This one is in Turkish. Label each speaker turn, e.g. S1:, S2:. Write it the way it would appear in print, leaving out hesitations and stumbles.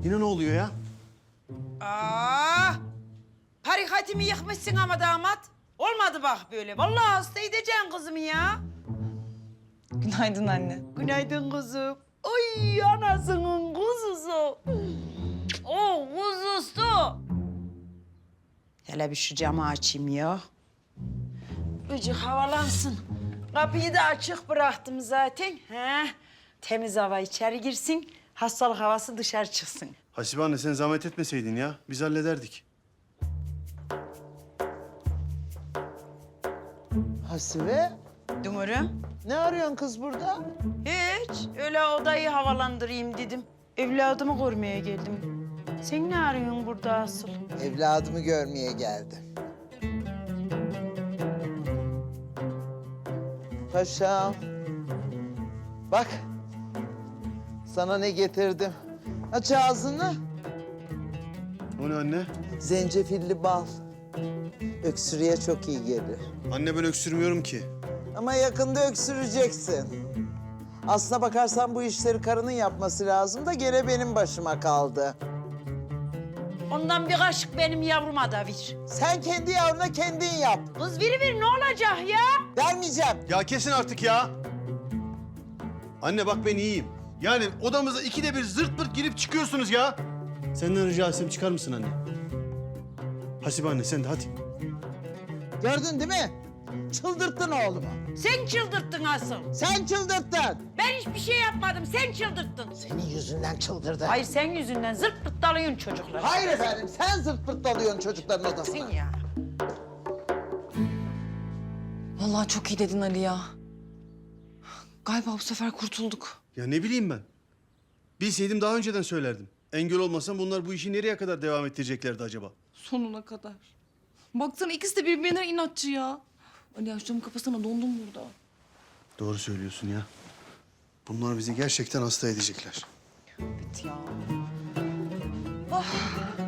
S1: Yine ne oluyor ya?
S2: Harikatimi yıkmışsın ama damat. Olmadı bak böyle. Vallahi hasta edeceksin kızımı ya.
S3: Günaydın anne.
S2: Günaydın kızım. Ay anasının kuzusu. O kuzusu. Hele bir şu camı açayım ya. Bıcık havalansın. Kapıyı da açık bıraktım zaten. He. Temiz hava içeri girsin. Hastalık havası dışarı çıksın.
S1: Hasibe anne sen zahmet etmeseydin ya. Biz hallederdik.
S4: Hasibe,
S2: Dumurum.
S4: ne arıyorsun kız burada?
S2: Hiç. Öyle odayı havalandırayım dedim. Evladımı görmeye geldim. Sen ne arıyorsun burada asıl?
S4: Evladımı görmeye geldim. Paşam. Bak. Sana ne getirdim. Aç ağzını.
S1: O ne anne?
S4: Zencefilli bal. Öksürüğe çok iyi gelir.
S1: Anne ben öksürmüyorum ki.
S4: Ama yakında öksüreceksin. Aslına bakarsan bu işleri karının yapması lazım da gene benim başıma kaldı.
S2: Ondan bir kaşık benim yavruma da ver.
S4: Sen kendi yavruna kendin yap.
S2: Kız ver ne olacak ya?
S4: Vermeyeceğim.
S1: Ya kesin artık ya. Anne bak ben iyiyim. Yani odamıza ikide bir zırt pırt girip çıkıyorsunuz ya. Senden rica etsem çıkar mısın anne? Hasibe anne sen de hadi.
S4: Gördün değil mi? Çıldırttın oğlumu.
S2: Sen çıldırttın asıl.
S4: Sen çıldırttın.
S2: Ben hiçbir şey yapmadım. Sen çıldırttın.
S4: Senin yüzünden çıldırdı.
S2: Hayır sen yüzünden zırt pırt dalıyorsun çocuklar.
S4: Hayır efendim, sen zırt pırt dalıyorsun çocukların odasına.
S2: Sen ya.
S3: Vallahi çok iyi dedin Ali ya. Galiba bu sefer kurtulduk.
S1: Ya ne bileyim ben. Bilseydim daha önceden söylerdim. Engel olmasam bunlar bu işi nereye kadar devam ettireceklerdi acaba?
S3: Sonuna kadar. Baksana ikisi de birbirine inatçı ya. Ali ya şu camı kapasana, dondum burada.
S1: Doğru söylüyorsun ya. Bunlar bizi gerçekten hasta edecekler.
S3: Evet ya.